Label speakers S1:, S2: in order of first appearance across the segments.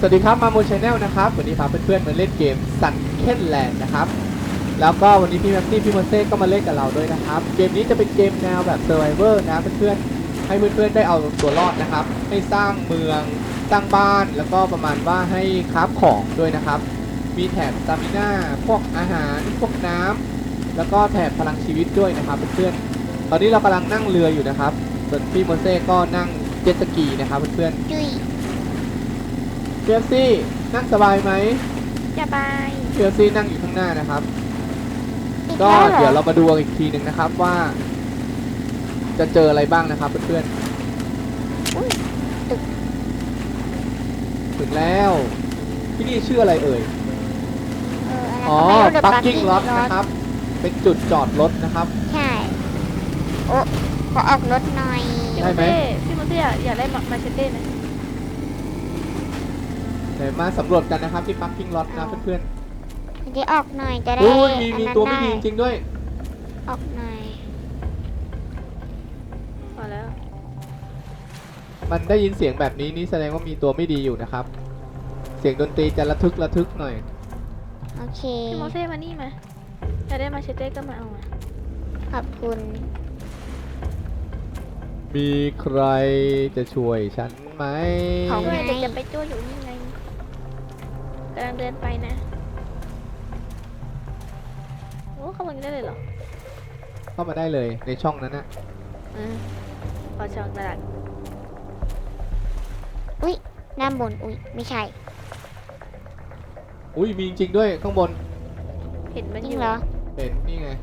S1: สวัสดีครับมาโมชแนลนะครับวันนี้พาเพื่อนๆมาเล่นเกมซันเคนแลนด์นะครับแล้วก็วันนี้พี่แม็กซี่พี่โมเซ่ก็มาเล่นกับเราด้วยนะครับเกมนี้จะเป็นเกมแนวแบบเซอร์ไวเวอร์นะเพื่อนๆให้เพื่อนๆได้เอาตัวรอดนะครับให้สร้างเมืองสร้างบ้านแล้วก็ประมาณว่าให้คราฟของด้วยนะครับมีแถบสตามิน่าพวกอาหารพวกน้ำแล้วก็แถบพลังชีวิตด้วยนะครับเพื่อนๆตอนนี้เรากำลังนั่งเรืออยู่นะครับส่วนพี่โมเซ่ก็นั่งเจ็ตสกีนะครับเพื่อนๆ
S2: จุย
S1: เพียซี่นั่งสบายไหม
S2: สบาย
S1: เพียซี่นั่งอยู่ข้างหน้านะครับ
S2: อี
S1: ก็
S2: แล้วหอ
S1: เดี๋ยวเรามาดูกันอีกทีหนึ่งนะครับว่า จะเจออะไรบ้างนะครับเพื่อน
S2: อุ๊ย
S1: ๆถึงแล้วที่นี่ชื่ออะไรเอ่ย อ๋อ
S2: อะไรก็ไม่รู้ The
S1: ปักกิ้ง
S2: Parking
S1: ล็อต
S2: Lot
S1: นะครับเป็นจุดจอดรถนะครับ
S2: ใช่โอ้ขอออกรถหน่อย
S1: ได้ไหม
S3: พี่โมเต้อยากได้มาเชเต้ไหม
S1: เดี๋ยวมาสำรวจกันนะครับที่ปักกิ้งล็อตนะเพื่อน
S2: จะออกหน่อยจะ
S1: ๆ
S2: ได้
S1: โอ้ยมี
S2: อันนั้น
S1: ตัวไม่ดี
S2: ด้
S1: จริงๆด้วย
S2: ออกหน่อย
S3: พอแล้ว
S1: มันได้ยินเสียงแบบนี้นี่แสดงว่ามีตัวไม่ดีอยู่นะครับ เสียงดนตรีจะระทึกหน่อย
S2: โอเค
S3: พี่โมเต้มานี่มาอยากได้มาเชเต้ก็มาเอามา
S2: ขอบคุณ
S1: มีใครจะช่วยฉันไหม
S2: ของ
S3: ด้วยเด็กจะไปจ้วอยู่นี่ไงกำลังเดินไปนะโอ้เข้ามาได้เลยเหรอ
S1: เข้ามาได้เลยในช่องนั้นนะ
S3: พอช่องตลาด
S2: อุ้ยด้านบนอุ้ยไม่ใช่
S1: อุ้ยมีจริงๆด้วยข้างบน
S3: เห็นมัน
S2: จ
S3: อ
S2: ริง
S3: ยู่
S2: เหรอ
S1: เห็นนี่ไง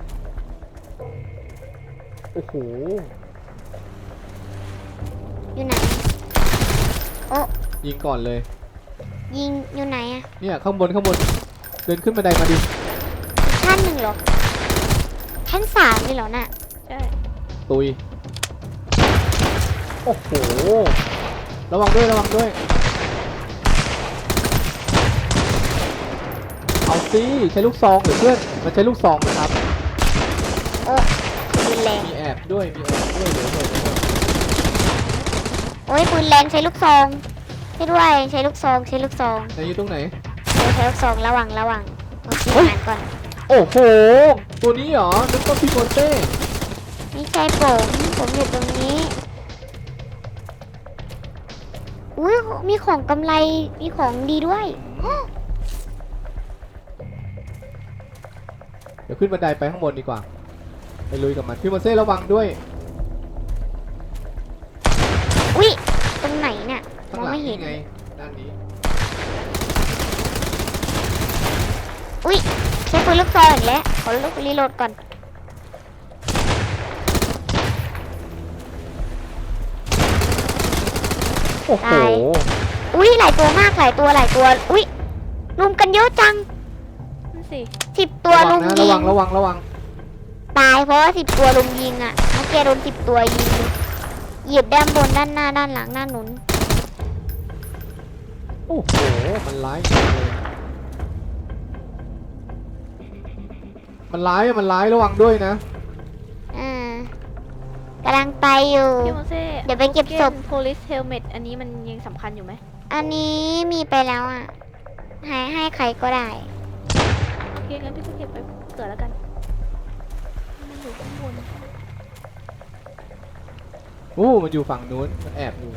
S1: โอ้โห
S2: อยู่ไหนโอ้
S1: ยิงก่อนเลย
S2: ยิงอยู่ไหนอะ
S1: เนี่ยข้างบนเดินขึ้นบันไดมาดิ
S2: ชั้นหนึ่งเหรอชั้นสามเลยเหรอน่ะ
S3: ใช่
S1: ตุย โอ้โห ระวังด้วยเอาสิใช้ลูกซองหรือเพื่อนมันใช้ลูกซองนะครับ
S2: โอ้ปืนแรง
S1: มีแอบด้วยเดี๋ยวเถอะ
S2: โอ้ยปืนแรงใช้ลูกซองใช่ด้วยใช้ลูกซองใช้ลูกซอง
S1: ไหนอยู่ตรงไหน
S2: ใช้ลูกซองระวังโอเคอ่านก่อน
S1: โอ้โห ตัวนี้เหรอนึกว่าพี่โมเต้
S2: ไม่ใช่ผมอยู่ตรงนี้ อุ้ยมีของกำไร มีของดีด้วย
S1: เดี๋ยวขึ้นบันไดไปข้างบนดีกว่า ไปลุยกับมันพี่โมเซ่ระวังด้วย
S2: อุ้ยตรงไหนเนี่ย ม
S1: ข้าง
S2: อง
S1: หลัง
S2: ไม่เห็
S1: นี่
S2: น
S1: ไง ด้านนี้
S2: อุ้ยใช้ปืนลูกซองอีกแล้วขอลูกรีโหลดก่อน
S1: โอ้โห
S2: อุ้ยหลายตัวมากหลายตัว อุ้ยรุมกันเยอะจัง
S3: นั่นสิ
S2: 10 ตัว
S1: ระวั
S2: รุ
S1: ง
S2: ม
S1: นะ
S2: ยิ
S1: ระวั
S2: ง
S1: งระวัง
S2: ตายเพราะว่า10 ตัวรุมยิงอ่ะเมื่อกี้โดน10 ตัวยิงเหยียบด้านบนด้านหน้าด้านหลังด้านหนุน
S1: โอ้โห มันร้ายจริงเลยมันร้ายระวังด้วยนะ
S2: กำลังไปอยู่
S3: พี่โมเต้
S2: เดี๋ยวไปเก็บศพ
S3: police helmet อันนี้มันยังสำคัญอยู่ไหม
S2: อันนี้มีไปแล้วอ่ะให้ใครก็ได้
S3: โอเคงั้นพี่ก็เก็บไปเกิดแล้วกันมันอยู่ข้างบน
S1: โอ้ มันอยู่ฝั่งนู้น มันแอบอยู่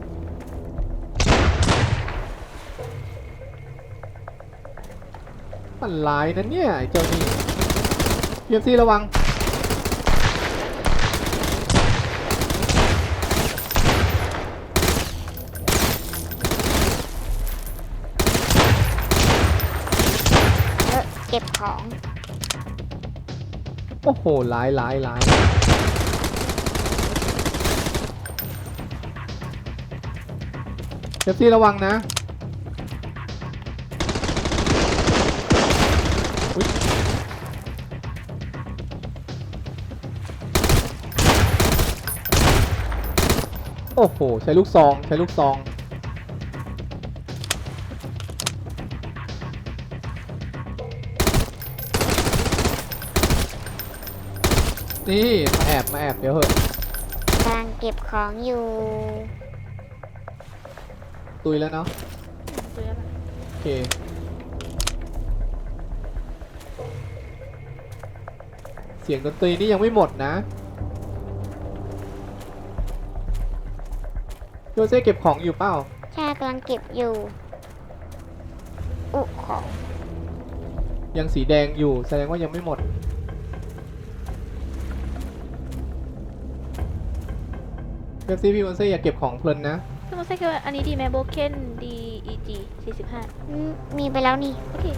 S1: มันร้ายนะเนี่ยไอ้เจ้านี่เพียมซี่ระวัง
S2: เก็บของ
S1: โอ้โห ร้ายเพียมซี่ระวังนะอุ๊ยโอ้โห ใช้ลูกซอง นี่มาแอบเดี๋ยวเหอะ
S2: กำลังเก็บของอยู่
S1: ตุยแล้วเนาะ
S3: ตคุยแล้วล่ะ
S1: โอเคเสียงดนตรีนี่ยังไม่หมดนะโยเซ่เก็บของอยู่เปล่า
S2: ใช่กำลังเก็บอยู่ อุของ
S1: ยังสีแดงอยู่แสดงว่ายังไม่หมดเป๊ปซี่พี่โยเซ่อย่าเก็บของเพลินนะ
S3: พี่โมเซ่คิดว่าอันนี้ดีไหมโบเคนดี EG 45
S2: มีไปแล้วนี่
S3: โอเค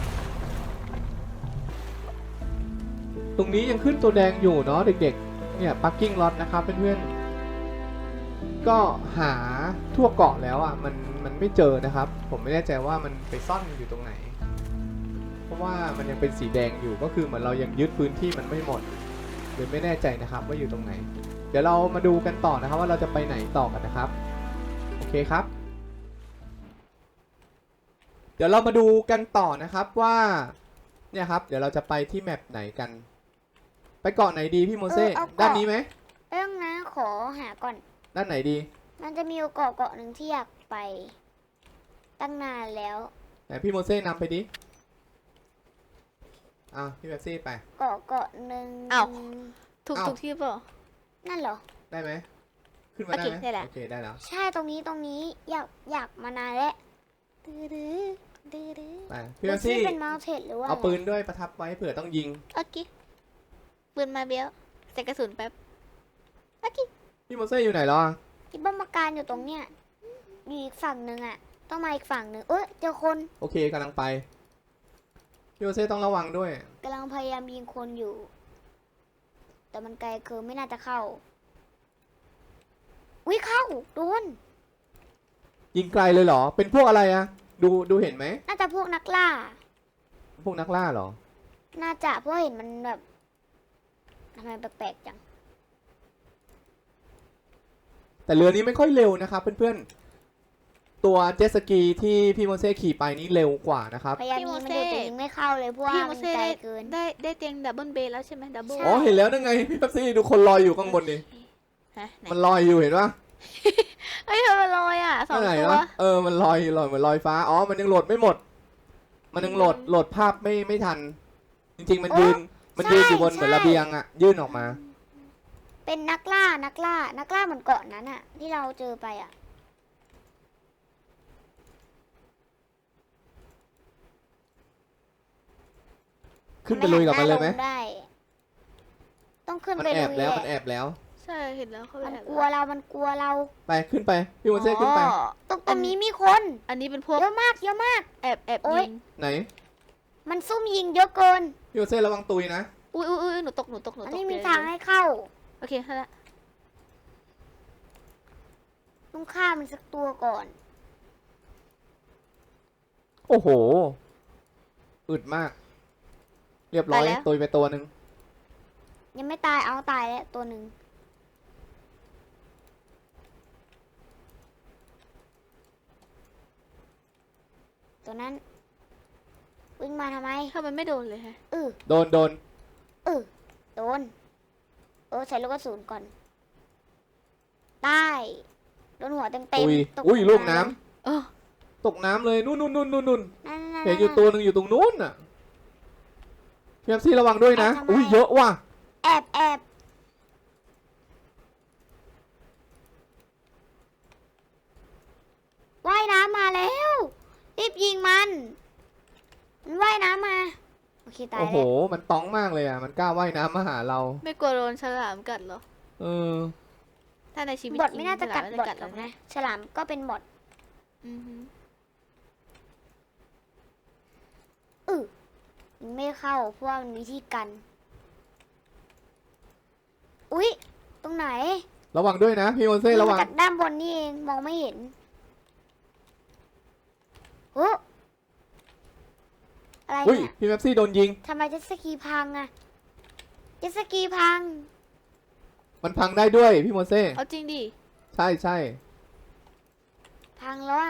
S1: ตรงนี้ยังขึ้นตัวแดงอยู่เนาะเด็กๆ เนี่ย parking lot นะครับเพื่อนๆ ก็หาทั่วเกาะแล้วอ่ะมันไม่เจอนะครับ ผมไม่แน่ใจว่ามันไปซ่อนอยู่ตรงไหน เพราะว่ามันยังเป็นสีแดงอยู่ก็คือเหมือนเรายังยึดพื้นที่มันไม่หมดเลยไม่แน่ใจนะครับว่าอยู่ตรงไหน เดี๋ยวเรามาดูกันต่อนะครับว่าเราจะไปไหนต่อกันนะครับ โอเคครับ เดี๋ยวเรามาดูกันต่อนะครับว่าเนี่ยครับเดี๋ยวเราจะไปที่แมปไหนกัน ไปเกาะไหนดีพี่โมเซ่
S2: เอาเกาะ
S1: ด้านนี้ไหม
S2: เรื่องนะขอหาก่อน
S1: ด้านไหนดี
S2: มันจะมีเกาะหนึ่งที่อยากไป ตั้งนานแล้ว
S1: ไหนพี่โมเซ่นำไปดิพี่เบปซี่ไป
S2: เกาะหนึ่ง
S3: อ้าว ถูก
S1: อ้าว
S3: ถูกที่เปล่า
S2: นั่นเหรอ
S1: ได้ไหมขึ้นมา
S3: โอ
S1: ได้
S3: เค
S1: ไหม
S3: ได้แล้ว
S1: โอเคได้แล้ว
S2: ใช่ตรงนี้อยากมานานแล้วดื้อดื้อ
S1: ไปพี่เบปซี่
S2: เป็นเมาเทนหรือว่า
S1: เอาปืนด้วยประทับไว้เผื่อต้องยิง
S3: โอเคปืนมาเบี้ยวใส่กระสุนแป๊บ
S1: พี่โมเซ่อยู่ไหนแล้วอะ
S2: ที่บ้านมาการอยู่ตรงเนี้ยอยู่อีกฝั่งหนึ่งอ่ะ ต้องมาอีกฝั่งหนึ่งเจอคน
S1: โอเคกำลังไปพี่โมเซ่ต้องระวังด้วย
S2: กำลังพยายามยิงคนอยู่ แต่มันไกลเกินไม่น่าจะเข้าอุ้ยเข้าโดน
S1: ยิงไกลเลยเหรอเป็นพวกอะไรอะดูเห็นไหม
S2: น่าจะพวกนักล่า
S1: พวกนักล่าเหรอ
S2: น่าจะเพราะเห็นมันแบบทำไมแปลกๆจัง
S1: แต่เรือนี้ไม่ค่อยเร็วนะครับเพื่อนๆตัวเจ็ตสกีที่พี่โมเซ่ขี่ไปนี่เร็วกว่านะครับ
S2: พยายามยิงมันอยู่แต่ยิงไม่เข้าเลยเพราะว่า
S3: พี่โม
S2: มัน
S3: เซ่
S2: ไกล
S3: ได้
S2: เกิน
S3: ได้เตียงดับเบิลเบย์แล้วใช่ไหมดับเบิล
S2: ใช่
S1: อ๋อเห็นแล้วนั่นไงพี่เบปซี่ดูคนลอยอยู่ข้างบนดิ
S3: ฮะไหน
S1: มันลอยอยู่เห็นปะ
S3: เอ้ยมันลอยอ่ะสอง
S1: ไหน
S3: ตัว
S1: วะมันลอยเหมือนลอยฟ้าอ๋อมันยังโหลดไม่หมด มันยังโหลดภาพไม่ทัน จริงๆมันยืนอยู่บนเหมือนระเบียงอะยื่นออกมา
S2: เป็นนักล่าเหมือนเกาะนั้นอะที่เราเจอไปอะ
S1: ขึ้นไปลุยกับมันเลยไหม
S2: ทำด้ต้องขึ้น
S1: มัน
S2: ไป
S1: แอ
S2: ลุ
S1: บ
S2: ย
S1: แล้ว
S2: แห
S1: มัน
S2: ละ
S1: แอบแล้ว
S3: ใช่เห็นแล้วเขาไป
S2: มัน
S3: แอบ
S2: กลัวเรา
S1: ไปขึ้นไปพี่โมเซ่ขึ้นไป
S3: อ๋อ
S2: ตรงนี้มีคน
S3: อันนี้เป็นพวก
S2: เยอะมาก
S3: แอบ
S2: โอ๊ย
S3: ยิง
S1: ไหน
S2: มันซุ่มยิงเยอะเกิน
S1: พี่โมเซ่ระวังตุยนะ
S3: อุ้ยหนูตก
S2: อันนี้มี
S3: เดี๋ยว
S2: ทางให้เข้า
S3: โอเคนั่นแหละ
S2: ต้องฆ่ามันสักตัวก่อน
S1: โอ้โหอึดมาก เรียบร้อยตุยไปตัวหนึ่ง
S2: ยังไม่ตายเอาตายแล้วตัวหนึ่งตัวนั้น วิ่งมาทำไม
S3: ถ้ามันไม่โดนเลยฮะ
S1: โดน
S2: โดนใส่ลูกกระสุนก่อนตายโดนหัวเต็ม
S1: อุ้ย
S2: ตก
S1: อุ้ยลูกน้
S3: เออ
S1: ำตกน้ำเลยนู่น
S2: นั่น
S1: เห็นอยู่ตัวหนึ่งอยู่ตรงนู้นน่ะพี่โมเซ่ระวังด้วยนะอุ้ยเยอะว่ะ
S2: แอบว่ายน้ำมาแล้วรีบยิงมันว่ายน้ำมาโอเคตาย
S1: โอ้โห
S2: แล้ว
S1: มันต้องมากเลยอ่ะมันกล้าว่ายน้ำมาหาเรา
S3: ไม่กลัวโดนฉลามกัดเหรอ
S1: เออ
S3: ถ้าในชีวิต
S2: บอท
S3: จริง
S2: ไม่น่าจะกัด
S3: ฉล
S2: บอท
S3: ไม่
S2: หรอก
S3: นะ
S2: นะฉลามก็เป็นบอท
S3: อือหือ
S2: ไม่เข้าเพราะว่ามันมีที่กัน อุ๊ย ตรงไหน
S1: ระวังด้วยนะพี่โมเซ่ระวัง
S2: มาจากด้านบนนี่เองมองไม่เห็นโอ้อะไร
S1: อุ้ย
S2: เนี่ย
S1: พี่แม็ปซี่โดนยิง
S2: ทำไมเจ็ตสกีพังอะเจ็ตสกีพัง
S1: มันพังได้ด้วยพี่โมเซ่
S3: เอาจริงดิ
S1: ใช่
S2: พังแล้วอะ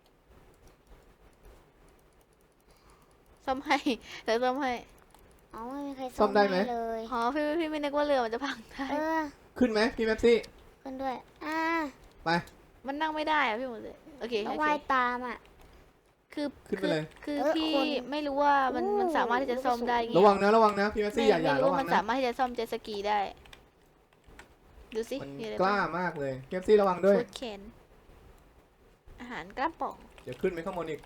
S3: ซ่อมให้เดี๋ยวซ่อมให้
S2: เอาไม่มีใครซ่อมให้เลย
S3: อ๋อพี่ไม่นึกว่าเรือมันจะพังได้
S1: ขึ้นไหมพี่แม็ปซี่
S2: ขึ้นด้วย
S1: ไป
S3: มันนั่งไม่ได้อะพี่หมดเลยโอเค
S2: ต้อ
S3: โอง เค
S2: ว่ายตามอะ
S3: คือ
S1: ขึ้นไปเลย
S3: คือ
S2: เออ
S3: พี่
S2: คน
S3: ไม่รู้ว่ามันสามารถที่จะซ่อมได้ไง
S1: ระวังนะพี่แม็กซี่อย่า
S3: ไม่รู้
S1: ระวั
S3: ว่าง มัน
S1: นะ
S3: สามารถที่จะซ่อมเจ็ตสกีได้ ดูสิ
S1: มัน
S3: มีอะไร
S1: กล้า
S3: บ้าง
S1: มากเลยพี่แม็กซี่ระวังด้วย
S3: ฟูดเคนอาหารกระป๋อง
S1: เดี๋ยวขึ้นไปข้างบนอีก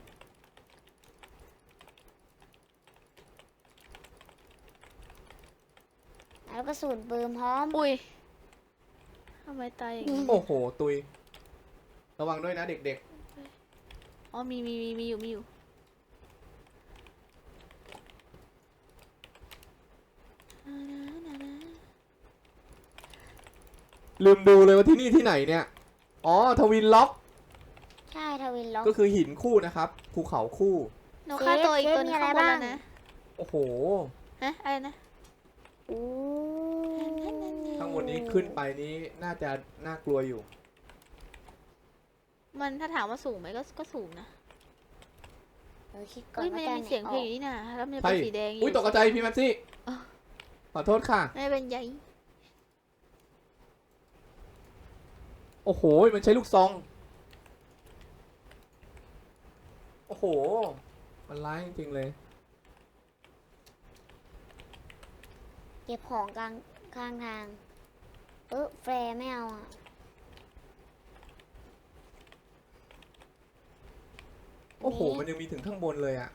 S2: แล้วก็สูตรปืนพร้อม
S3: อุ้ยทำไมตายอย่างนี้
S1: โอ้โหตุยระวังด้วยนะเด็ก
S3: อ๋อมีอยู่
S1: ๆลืมดูเลยว่าที่นี่ที่ไหนเนี่ยอ๋อทวินล็อก
S2: ใช่ทวินล็อก
S1: ก็คือหินคู่นะครับภูเขาคู่
S3: หนูฆ่าตัวอีกตัวหนึง
S2: เชฟมีอะไร
S3: ข้างบน
S2: บ้าง
S3: แล้วนะ
S1: โอ้โห
S3: ฮะอะไรนะ
S2: อู้
S1: ข้างบนนี้ขึ้นไปนี้น่าจะน่ากลัวอยู่
S3: มันถ้าถามว่าสูงไหมก็สูงนะ
S2: คิดก่อน
S3: เอ้ยมัน
S2: ว่า
S3: ยังมีเสียงเพลงอยู่นี่นะแล้วมันจะ
S1: ใช่
S3: เป็นสีแดงอยู่
S1: อุ้ยตกใจพี่แม็กซี่
S3: อ๋อ
S1: ขอโทษค่ะ
S3: ไม่เป็นใย
S1: โอ้โหมันใช้ลูกซองโอ้โหมันร้ายจริงๆเลย
S2: เก็บของกลางข้างทาง แฟร์ไม่เอาอ่ะ
S1: โอ้โหมันยังมีถึงข้างบนเลยอะ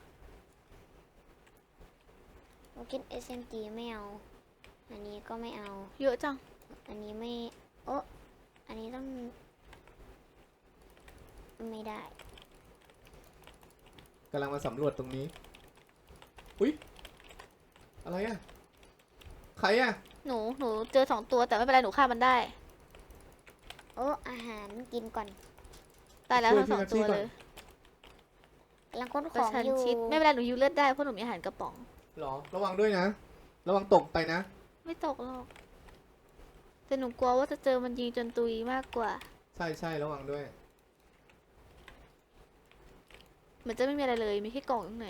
S2: โอเค SMG ไม่เอา อันนี้ก็ไม่เอา
S3: เยอะจัง
S2: อันนี้ไม่ อันนี้ต้อง ไม่ได้
S1: กำลังมาสำรวจตรงนี้อุ้ยอะไรอะใครอะ
S3: หนูเจอ2 ตัวแต่ไม่เป็นไรหนูฆ่ามันได้
S2: อาหารกินก่อน
S3: ตายแล้วทั้ง2 ตัวเลย
S2: กำลังค้นข
S3: ประ
S2: อง
S3: ชัน
S2: อยู่
S3: ชิดไม่เป็นไรหนูยูเลือดได้เพราะหนูมีอาหารกระป๋อง
S1: หรอระวังด้วยนะ ระวังตกไปนะ
S3: ไม่ตกหรอกแต่หนูกลัวว่าจะเจอมันยิงจนตุยมากกว่า
S1: ใช่ระวังด้วย
S3: เหมือนจะไม่มีอะไรเลยมีแค่กล่องข้างใน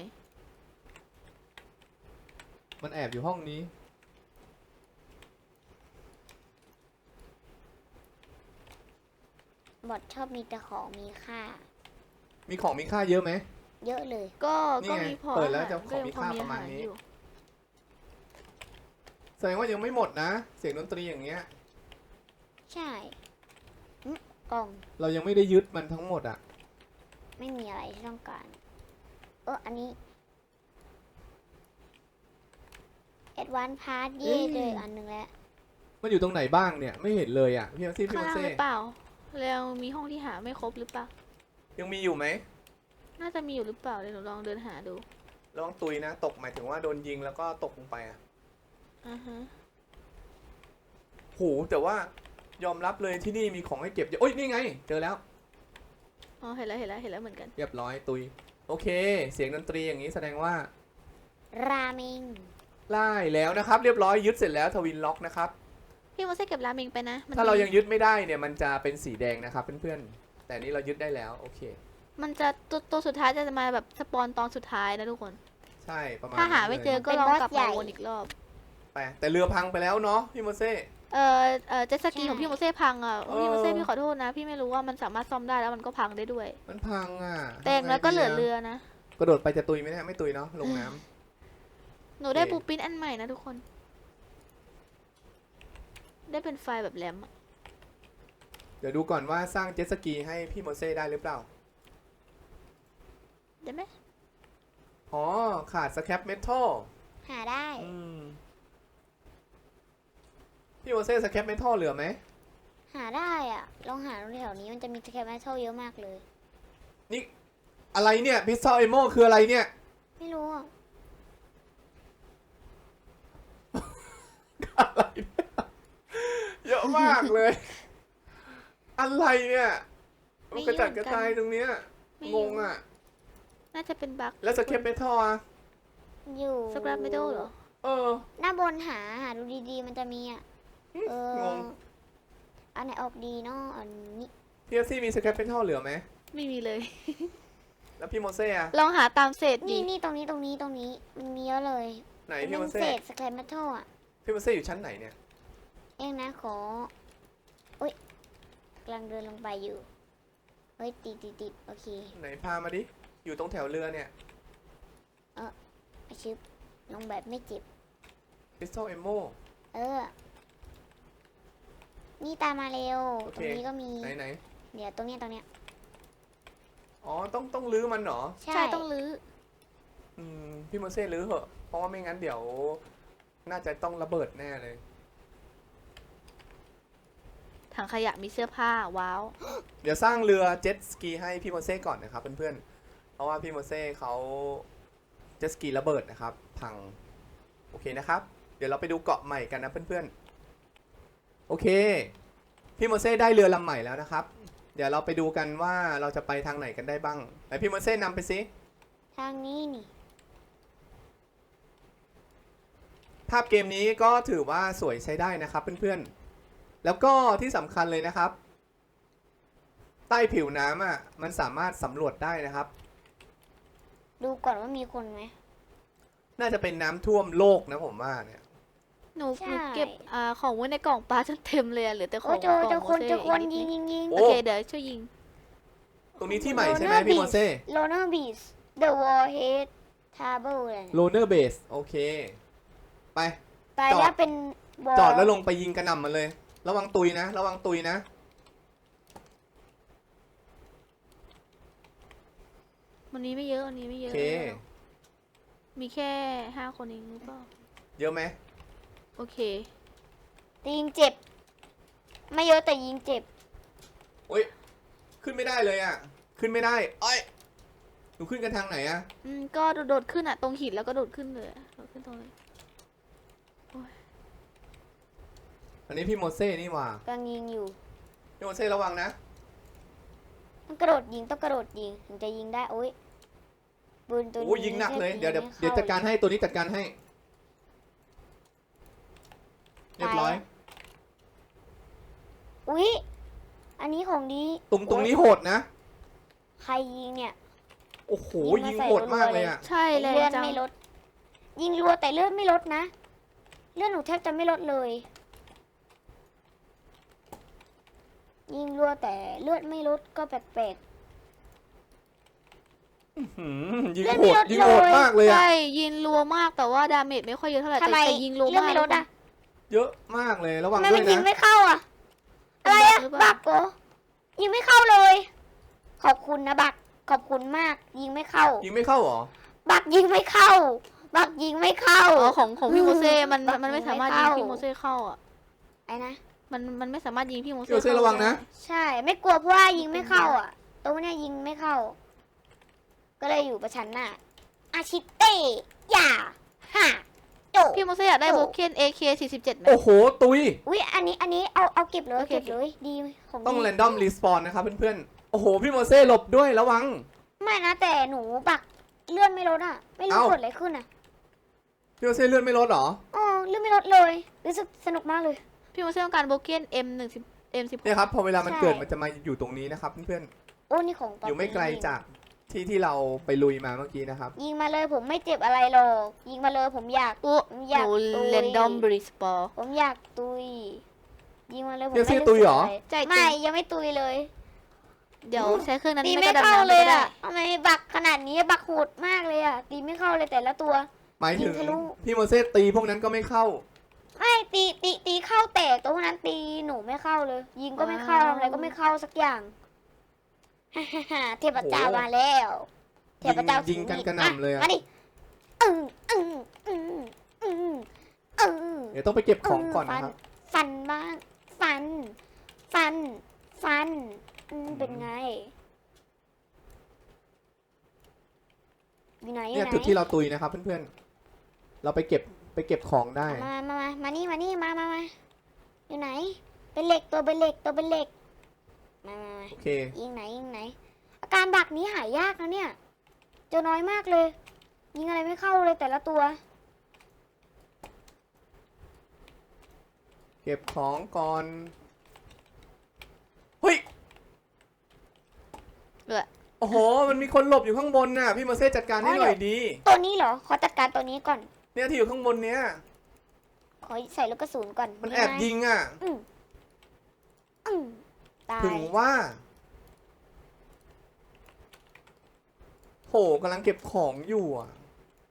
S1: มันแอบอยู่ห้องนี้
S2: บอทชอบมีแต่ของมีค่า
S1: มีของมีค่าเยอะไหม
S2: เยอะเลย
S3: ก็
S1: นี่
S3: ก็
S1: ไง
S3: มีพอ
S1: เปิดแล้ว
S3: อาหาร
S1: จะของมีค่า
S3: ก็ยังพอ
S1: ประมาณ
S3: อห
S1: นี้
S3: อยู่
S1: แสดงว่ายังไม่หมดนะ เสียงดนตรีอย่างเงี้ย
S2: ใช่กล่อง
S1: เรายังไม่ได้ยึดมันทั้งหมดอะ
S2: ไม่มีอะไรที่ต้องการ อันนี้ Advanced Part เย่เจออันหนึ่งแล้ว
S1: มันอยู่ตรงไหนบ้างเนี่ยไม่เห็นเลยอะพี่แม็กซี่พี่
S3: ข้าง
S1: แม็ก
S3: ล่าง
S1: ซี่
S3: หรือเปล่าแล้วมีห้องที่หาไม่ครบหรือเปล่า
S1: ยังมีอยู่ไหม
S3: น่าจะมีอยู่หรือเปล่าเดี๋ยวหนูลองเดินหาดู
S1: ระวังตุยนะ ตกหมายถึงว่าโดนยิงแล้วก็ตกลงไปอะ
S3: อ่าฮะ
S1: โหแต่ว่ายอมรับเลยที่นี่มีของให้เก็บเยอะโอ้ยนี่ไง เจอแล้ว
S3: อ๋อเห็นแล้วเหมือนกัน
S1: เรียบร้อยตุยโอเค เสียงดนตรีอย่างนี้แสดงว่า
S2: ราเมง
S1: ไล่แล้วนะครับ เรียบร้อยยึดเสร็จแล้วทวินล็อกนะครับ
S3: พี่โมเซ่เก็บราเมงไปนะมัน
S1: ถ้าเรายังยึดไม่ได้เนี่ยมันจะเป็นสีแดงนะครับเพื่อนๆแต่นี่เรายึดได้แล้วโอเค
S3: มันจะตัวสุดท้ายจะมาแบบสปอนตอนสุดท้ายนะทุกคน
S1: ใช่ประมาณ
S3: ถ้าหาไม่เจอ
S1: นั้นลย
S3: ก็ลองกลับมาวนอีกรอบ
S1: ไปแต่เรือพังไปแล้วเนาะพี่โมเซ่
S3: เจ็ตสกีของพี่โมเซ่พังอ่ะ
S1: เออ
S3: พี่โมเซ่พี่ขอโทษนะ พี่ไม่รู้ว่ามันสามารถซ่อมได้แล้วมันก็พังได้ด้วย
S1: มันพังอ่ะ
S3: แต่อย่างแล้วก็เหลือเรือนะ
S1: กระโดดไปจะตุยไหมเนี่ยไม่ตุยเนาะลงน้ำ
S3: หนูได้
S1: โอเค
S3: บูปินอันใหม่นะทุกคน ได้เป็นไฟล์แบบแรมอะ
S1: เดี๋ยวดูก่อนว่าสร้างเจ็ตสกีให้พี่โมเซ่ได้หรือเปล่า
S3: ได้ไหม
S1: อ๋อขาดสแครปเมทัล
S2: หาได้
S1: พี่โมเซ่สแครปเมทัลเหลือไหม
S2: หาได้อ่ะ ลองหาดูแถวนี้มันจะมีสแครปเมทัลเยอะมากเลย
S1: นี่อะไรเนี่ยพิซซ่าเอโมคืออะไรเนี่ย
S2: ไม่รู้อ่ะ
S1: อะไรเนี่ยเยอะมากเลย อะไรเนี่ยมันกระจัดกระจายตรงเนี้ยงงอ่ะ
S3: น่าจะเป็นบั๊ก
S1: แล้วสแครปเมทัลอ่ะ
S2: อยู่
S3: สครับไม่ได้เหรอ
S1: เออ
S2: หน้าบนหาดูดีๆมันจะมีอ่ะ
S1: งง
S2: อันไหนออกดีเนาะอันนี้
S1: พี่เอฟซีมีสแครปเมทัลเหลือไหม
S3: ไม่มีเลย
S1: แล้วพี่โมเซ่อะ
S3: ลองหาตามเศษดิ
S2: นี่ตรงนี้มันมีเยอะเลย
S1: ไหน
S2: เป็
S1: พี่โม
S2: น
S1: เซ่
S2: เศษสแครปเมทัลอ่ะ
S1: พี่โมเซ่อยู่ชั้นไหนเนี่ย
S2: เองนะขออุ้ยกำลังเดินลงไปอยู่ เฮ้ยติดโอเค
S1: ไหนพามาดิ
S4: อยู่ตรงแถวเรือเนี่ย
S2: อาชิบลงแบบไม่เจ็บ
S4: Pistol Ammo
S2: เออ นี่ตามมาเร็ว
S4: โอ
S2: ต
S4: เค
S2: รงนี้ก็มี
S4: ไหน
S2: เดี๋ยวตรงเนี้ย
S4: อ๋อต้องลื้อมันเหรอ
S2: ใช่
S3: ใช่ต้องรื้อ
S4: พี่โมเซ่ลื้อเหอะเพราะว่าไม่งั้นเดี๋ยวน่าจะต้องระเบิดแน่เลย
S3: ถังขยะมีเสื้อผ้าว้าว
S4: เดี๋ยวสร้างเรือเจ็ตสกีให้พี่โมเซ่ก่อนนะครับเพื่อนๆเพราะว่าพี่โมเซ่เขาเจ็ตสกีระเบิดนะครับพังโอเคนะครับ เดี๋ยวเราไปดูเกาะใหม่กันนะเพื่อนๆโอเคพี่โมเซ่ได้เรือลำใหม่แล้วนะครับ เดี๋ยวเราไปดูกันว่าเราจะไปทางไหนกันได้บ้างไหนพี่โมเซ่นำไปสิ
S2: ทางนี้นี่
S4: ภาพเกมนี้ก็ถือว่าสวยใช้ได้นะครับเพื่อนๆแล้วก็ที่สำคัญเลยนะครับ ใต้ผิวน้ำอ่ะมันสามารถสำรวจได้นะครับ
S2: ดูก่อนว่ามีคนไหม
S4: น่าจะเป็นน้ำท่วมโลกนะผมว่าเนี่ย
S3: หนู
S2: ใช่
S3: เก็บของไว้ในกล่องปลาจนเต็มเลยอะเหลือแต่ข
S2: โอ้
S3: อง
S2: เจอก
S3: ล่อง
S2: คน
S3: โม
S2: เจ
S3: เซ่
S2: อคน
S3: อีกนิด
S2: ยิง
S4: โอ้
S3: โอเคเดี๋ยวช่วยยิง
S4: ตรงนี้ที่ใหม่ใช่ไหมพี่โมเซ่
S2: โลเนอร์บีช The Warhead Table อะไรเนี่ย
S4: โลเนอร์เบสโอเค ไป
S2: ไป
S4: จอด
S2: แล้วเป็นบอล
S4: จอดแล้วลงไปยิงกระหน่ำมันเลย ระวังตุยนะ ระวังตุยนะ
S3: วันนี้ไม่เยอะวันนี้ไม่เย
S4: โอ
S3: อะ
S4: เค
S3: มีแค่5 คนเองหรือเปล่า
S4: เยอะไหม
S3: โอเค
S2: แต่ยิงเจ็บ ไม่เยอะแต่ยิงเจ็บ
S4: โอ้ยขึ้นไม่ได้เลยอ่ะขึ้นไม่ได้อ้อยหนูขึ้นกันทางไหนอ่ะ
S3: ก็โดดขึ้นอะตรงหินแล้วก็โดดขึ้นเลยโดดขึ้นตรงเลย
S4: อันนี้พี่โมเซ่นี่หว่าก
S2: ำลังยิงอยู่
S4: พี่โมเซ่ระวังนะ
S2: ต้องกระโดดยิงต้องกระโดดยิงถึงจะยิงได้โอ้ยปืนตัวนี้
S4: โอ้ยยิงหนักเลยเดี๋ยว
S2: ไม่
S4: เดี๋ยว
S2: เข้
S4: จัดการให้ตัวนี้จัดการให้ เรียบร้อย
S2: อุ๊ยอันนี้ของดี
S4: ตรงนี้โหดนะ
S2: ใครยิงเนี่ย
S4: โอ้โห
S2: ยิ
S4: ยิง
S2: งมาใส่
S4: โหดมาก
S2: รัวๆ
S4: เลยอ่ะ
S3: ใช่เลย
S2: เลือด
S3: จัง
S2: ไม่ลด ยิงรัวแต่เลือดไม่ลดนะ เลือดหนูแทบจะไม่ลดเลย ยิงรัวแต่เลือดไม่ลดก็แปลก
S4: ยิง
S2: เลือด
S4: โห
S2: ไม่
S4: ด
S2: ลด
S4: ยิงโหด
S2: เลย
S4: มากเลยอ่ะ
S3: ใช่ยิงรัวมากแต่ว่าดาเมจไม่ค่อยเยอะเท่าไหร่
S2: ๆทำไม
S3: แต่ยิงรัว
S2: เลือด
S3: มาก
S2: ไม่ลดอ่ะ
S4: เยอะมากเลยระวั
S2: ทำ
S4: ง
S2: ไม
S4: ด้
S2: มั
S4: วน ย
S2: ยิง
S4: นะ
S2: ไม่เข้าอ่ะ อะไรอ่ะ
S3: หรือเป
S2: บั
S3: ล่า
S2: กเหรอยิงไม่เข้าเลย ขอบคุณนะบัก ขอบคุณมาก ยิงไม่เข้า
S4: ยิงไม่เข้าเหรอ
S2: บักยิงไม่เข้า บักยิงไม่เข้า
S3: อ๋อของพี่โมเซ่มัน
S2: บัก
S3: มันไม่
S2: ยิง
S3: สามารถ
S2: ไม่
S3: ยิง
S2: เข้า
S3: พี่โมเซ่เข้าอ่ะ
S2: ไอ้นะ
S3: มันไม่สามารถยิงพี่โม
S4: พี่โมเซ่
S3: เซ่
S4: ระวังนะ
S2: ใช่ ไม่กลัวเพราะว่ายิงไม่เข้าอ่ะ ตรงเนี้ยยิงไม่เข้า ก็เลยอยู่ประชันหน้าอาชิเต้อย่าฮ่าโจ
S3: พี่โมเซ่อยากได้
S2: โอ้
S3: โบเคน AK47ไหม
S4: โอ้โหตุย
S2: อุ้ยอันนี้เอาเก็บเลย
S3: โอเค
S2: เก็บเลยดีของ
S4: ต้อง
S2: ดี
S4: แรนดอมรีสปอนนะครับเพื่อนๆ โอ้โห พี่โมเซ่หลบด้วยระวัง
S2: ไม่นะแต่หนูบักเลื่อนไม่ลดอ่ะ ไม่รู้
S4: เอ้า
S2: เกิดอะไรขึ้นอ่ะ
S4: พี่โมเซ่เลื่อนไม่ลดเหรอ
S2: อ๋อเลื่อนไม่ลดเลยรู้สึกสนุกมากเลย
S3: พี่โมเซ่ต้องการโบเคน M16
S4: เนี่ยครับพอเวลามัน
S2: ใช่
S4: เกิดมันจะมาอยู่ตรงนี้นะครับเพื่อน
S2: โอ้นี่ของ
S4: ๆ อยู่ไม่ไกลจากที่เราไปลุยมาเมื่อกี้นะครับ
S2: ยิงมาเลยผมไม่เจ็บอะไรหรอกยิงมาเลยผมอยาก
S3: โอ้
S2: ผมอ
S3: ห
S2: ยาก
S3: นู
S2: ตุย
S3: เรนดอมบริสปอร์
S2: ผมอยากตุยยิงมาเลยผม
S4: เดี๋ยว
S2: ไม่
S4: ซื้อตุยเหรอ
S2: สึกะ
S3: ใจ
S2: ไรไม่ยังไม่ตุยเลย
S3: เดี๋ยวใช้เครื่องนั้น
S2: ตี
S3: ไม่
S2: ไม่
S3: กระดำ
S2: เข้า
S3: น้ำ
S2: เล
S3: ก็
S2: ย
S3: ได้
S2: อ่ะทำไมบักขนาดนี้บักโหดมากเลยอ่ะตีไม่เข้าเลยแต่ละตัว
S4: หมายถึง
S2: ยิงทะลุ
S4: พี่โมเซ่ตีพวกนั้นก็ไม่เข้า
S2: ไม่ตีเข้าแต่ตัวนั้นตีหนูไม่เข้าเลย ยิงก็ไม่เข้าทำอะไรก็ไม่เข้าสักอย่าง เทพเจ้า
S4: โอ้โห
S2: มาแล้วเทพเจ้า
S4: ยิงกันกระหน่ำเลยอะ
S2: มาดิอึ้งอึ้งอึ้งอึ้งอึ้ง
S4: เดี๋ยวต้องไปเก็บของก่อนนะครับ
S2: ฟันบ้างฟันเป็นไงอยู่ไหนอ
S4: เนี่ย
S2: ยู่ไหน
S4: จุดที่เราตุยนะครับเพื่อนๆ เราไปเก็บของได้
S2: มานี่อยู่ไหน เป็นเหล็กตัวเป็นเหล็กมา
S4: โอเค
S2: ยิงไหน อาการบักนี้หายากนะเนี่ยเจอน้อยมากเลย ยิงอะไรไม่เข้าเลยแต่ละตัว
S4: เก็บของก่อน เฮ้ย โอ้โห มันมีคนหลบอยู่ข้างบนน่ะ พี่โมเซ่จัดการให้หน่อยดี
S2: ตัวนี้เหรอ ขอจัดการตัวนี้ก่อน
S4: เนี่ยที่อยู่ข้างบนเนี้ย
S2: ขอใส่ลูกกระสุนก่อน
S4: มันแอบยิงอ่ะ
S2: อืมตาย
S4: ถึงว่าโหกำลังเก็บของอยู่อ่ะ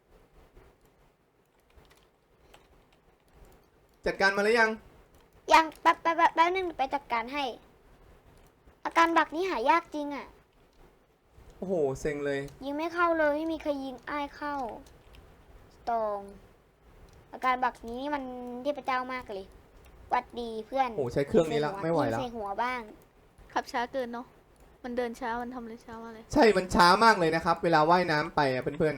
S4: จัดการมาแล้วยัง
S2: ยังแป๊บนึงไปจัดการให้ อาการบักนี้หายากจริงอ่ะ
S4: โอ้โห เซ็งเลย
S2: ยิงไม่เข้าเลยไม่มีใครยิงอ้ายเข้าตรงอาการบักนี้นี่มันเทพเจ้ามากเลยหวัดดีเพื่อน
S4: โอ้โห ใช้เครื่องนี้แล้วไม่ไหว
S2: ยิง
S4: แล้ว
S2: ใส่หัวบ้าง
S3: ขับช้าเกินเนาะมันเดินช้ามันทำอะไรช้ามากเลย
S4: ใช่ มันช้ามากเลยนะครับ เวลาว่ายน้ำไปอ่ะเพื่อน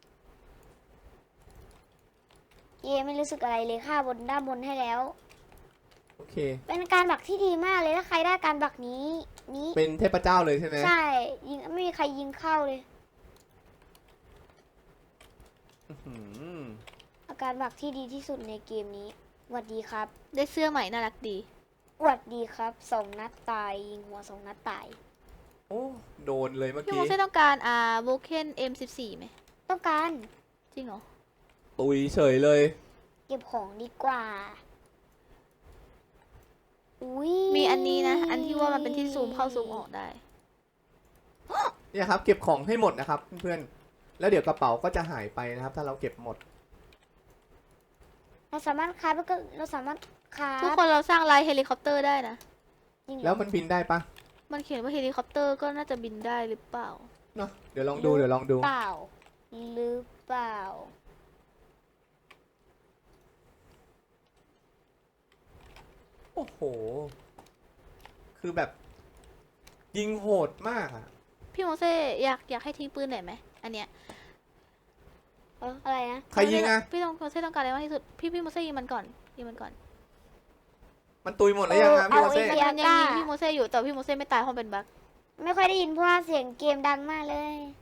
S2: เย่ไม่รู้สึกอะไรเลยค่าบนด้านบนให้แล้ว
S4: ๆ โอเค
S2: เป็นการบักที่ดีมากเลยถ้าใครได้การบักนี้
S4: เป็นเทพเจ้าเลยใช่ไหม
S2: ใช่ยิงไม่มีใครยิงเข้าเลย
S4: อื้อหือ
S2: อาการบักที่ดีที่สุดในเกมนี้หวัดดีครับ
S3: ได้เสื้อใหม่น่ารักดี
S2: หวัดดีครับ2 นัดตายยิงหัว2 นัดตาย
S4: โอ้ โดนเลยเมื่อ
S3: พี่
S4: กี้
S3: โมเซ่ต้องการโบเคน M14 ไหม
S2: ต้องการ
S3: จริงเหรอ
S4: ตุยเฉยเลย
S2: เก็บของดีกว่าอุ้ย
S3: มีอันนี้นะ อันที่ว่ามันเป็นที่ซูมเข้าซูมออกได้
S4: เนี่ยครับ เก็บของให้หมดนะครับเพื่อนๆ แล้วเดี๋ยวกระเป๋าก็จะหายไปนะครับ ถ้าเราเก็บหมด
S2: เราสามารถคราฟแล้วก็เราสามารถครา
S3: ทุก
S2: ฟ
S3: คนเราสร้างลายเฮลิคอปเตอร์ได้นะ
S2: จริงเหรอ
S4: แล้วมันบินได้ปะ
S3: มันเขียนว่าเฮลิคอปเตอร์ก็น่าจะบินได้หรือเปล่า
S4: เนาะเดี๋ยวลองดูเดี๋ยวลองดู
S2: เปล่าหรือเปล่า
S4: โอ้โห คือแบบ ยิงโหดมากอะ
S3: พี่โมเซ่อยากให้ทิ้งปืนหน่อยไหมอันเนี้ย
S2: อะไรนะ
S4: ใครยิงอะ
S3: พี่โมเซ่ต้องการอะไรมากที่สุด พี่โมเซ่ยิงมันก่อนยิงมันก่อน
S4: มันตุยหมดแล้วยังอะพี่โมเซ่
S2: เอา
S3: มันยังยิงพี่โมเซ่อยู่แต่พี่โมเซ่ไม่ตายเพราะเป็นบั๊ก
S2: ไม่ค่อยได้ยินเพราะว่าเสียงเกมดังมากเลย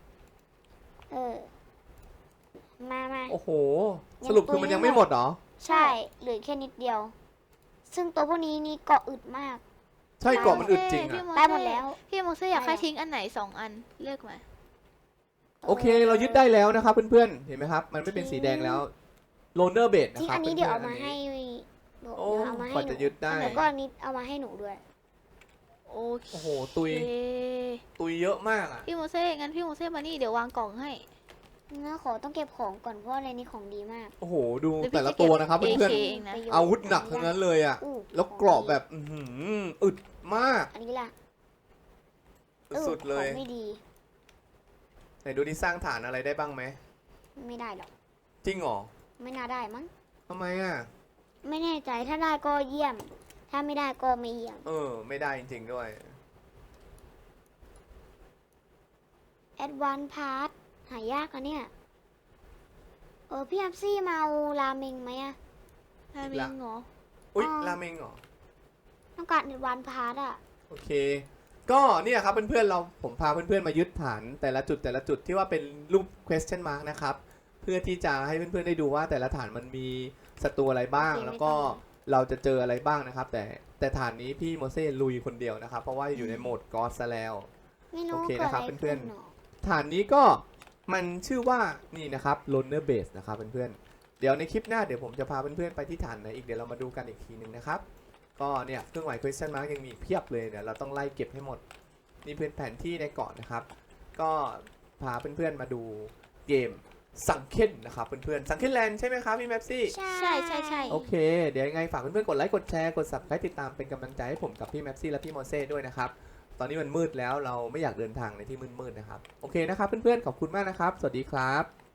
S2: มา
S4: โอ้โห สรุปคือมันยังไม่หมดเหรอ
S2: ใช่เหลือแค่นิดเดียว ซึ่งตัวพวกนี้นี่เกาะอึดมาก
S4: ใช่เกาะมันอึดจริง
S3: พี่
S4: อะ
S3: โม
S2: ได้
S3: เซ่
S2: หมดแล้ว
S3: พี่โมเซ่อยากให้ทิ้งอันไหน2 อันเลือกมา
S4: โอเค เรายึดได้แล้วนะครับเพื่อนๆ เห็นไหมครับ มันไม่เป็นสีแดงแล้วโลเนอร์เบดนะ
S2: ทิ้ง
S4: ครับ
S2: อันนี้เดี๋ยวเอามา
S4: พื่นๆ
S2: ให้
S4: โอ้
S2: เดี๋ยวเอามาให้
S4: กว่า
S2: หนู
S4: จะยึดได้
S2: แล้วก็อันนี้เอามาให้หนูด้วย
S3: โอเค
S4: โอ้โห ตุยเยอะมากอะ
S3: พี่โมเซ่งั้นพี่โมเซ่มานี่เดี๋ยววางกล่องให้
S2: นะขอต้องเก็บของก่อนเพราะอะไรนี่ของดีมาก
S4: โอ้โห ดู
S3: เดี๋ยวพี่
S4: แต่ละ
S3: จะเก็บ
S4: ตัวนะครับเพื่อน
S3: AK เองนะ
S2: ประโยชน์
S4: ๆ อาวุธหนักทั้งนั้นเลยอะ
S2: อู้
S4: แล้วกรอบแบบ อื้อหืออึดมาก
S2: อันนี้ล่ะ
S4: สุดๆเลย
S2: ของไม่ดี
S4: ไหนดูที่สร้างฐานอะไรได้บ้างไหม
S2: ไม่ได้หรอก
S4: จริงเหรอ
S2: ไม่น่าได้มั้ง
S4: ทำไมอะ
S2: ไม่แน่ใจถ้าได้ก็เยี่ยม ถ้าไม่ได้ก็ไม่เยี่ยม
S4: ไม่ได้จริงๆด้วย
S2: Advanced Part หายากอะเนี่ย พี่แอฟซี่มาเอาราเมงไหมอะ
S3: ได้มิงเหรอ
S4: อุ๊ย
S2: อ๋อ
S4: ราเมงเหรอ
S2: ต้องการ Advanced Part อะ
S4: โอเค ก็เนี่ยครับเพื่อนๆผมพาเพื่อนๆมายึดฐานแต่ละจุดที่ว่าเป็นรูป question mark นะครับ เพื่อที่จะให้เพื่อนๆได้ดูว่าแต่ละฐานมันมีศัตรูอะไรบ้าง แล้วก็เราจะเจออะไรบ้างนะครับ แต่ฐานนี้พี่โมเซ่ลุยคนเดียวนะครับ เพราะว่าอยู่ในโหมดกอสซะแล้ว
S2: ไม่รู้
S4: โอเค
S2: เกิด
S4: นะครับ
S2: อะไร
S4: เพื่
S2: ขึ้
S4: อน
S2: น
S4: ๆ
S2: หรอ
S4: ฐานนี้ก็มันชื่อว่านี่นะครับ Loner Base นะครับเพื่อนๆ เดี๋ยวในคลิปหน้าเดี๋ยวผมจะพาเพื่อนๆไปที่ฐานไหนอีกเดี๋ยวเรามาดูกันอีกทีหนึ่งนะครับ ก็เนี่ยเครื่องหมาย question mark ยังมีอีกเพียบเลยเดี๋ยวเราต้องไล่เก็บให้หมด นี่เป็นแผนที่ในเกาะนะครับ ก็พาเพื่อนๆมาดูเกมสังเคนนะครับเพื่อนๆสังเคนแลนด์ใช่ไหมครับพี่แมปซี่
S3: ใช่
S4: โอเค เดี๋ยวยังไงฝากเพื่อนๆกดไลค์กดแชร์กด subscribe ติดตามเป็นกำลังใจให้ผมกับพี่แมปซี่และพี่โมเซ่ด้วยนะครับ ตอนนี้มันมืดแล้วเราไม่อยากเดินทางในที่มืดๆนะครับ โอเคนะครับเพื่อนๆขอบคุณมากนะครับ สวัสดีครับ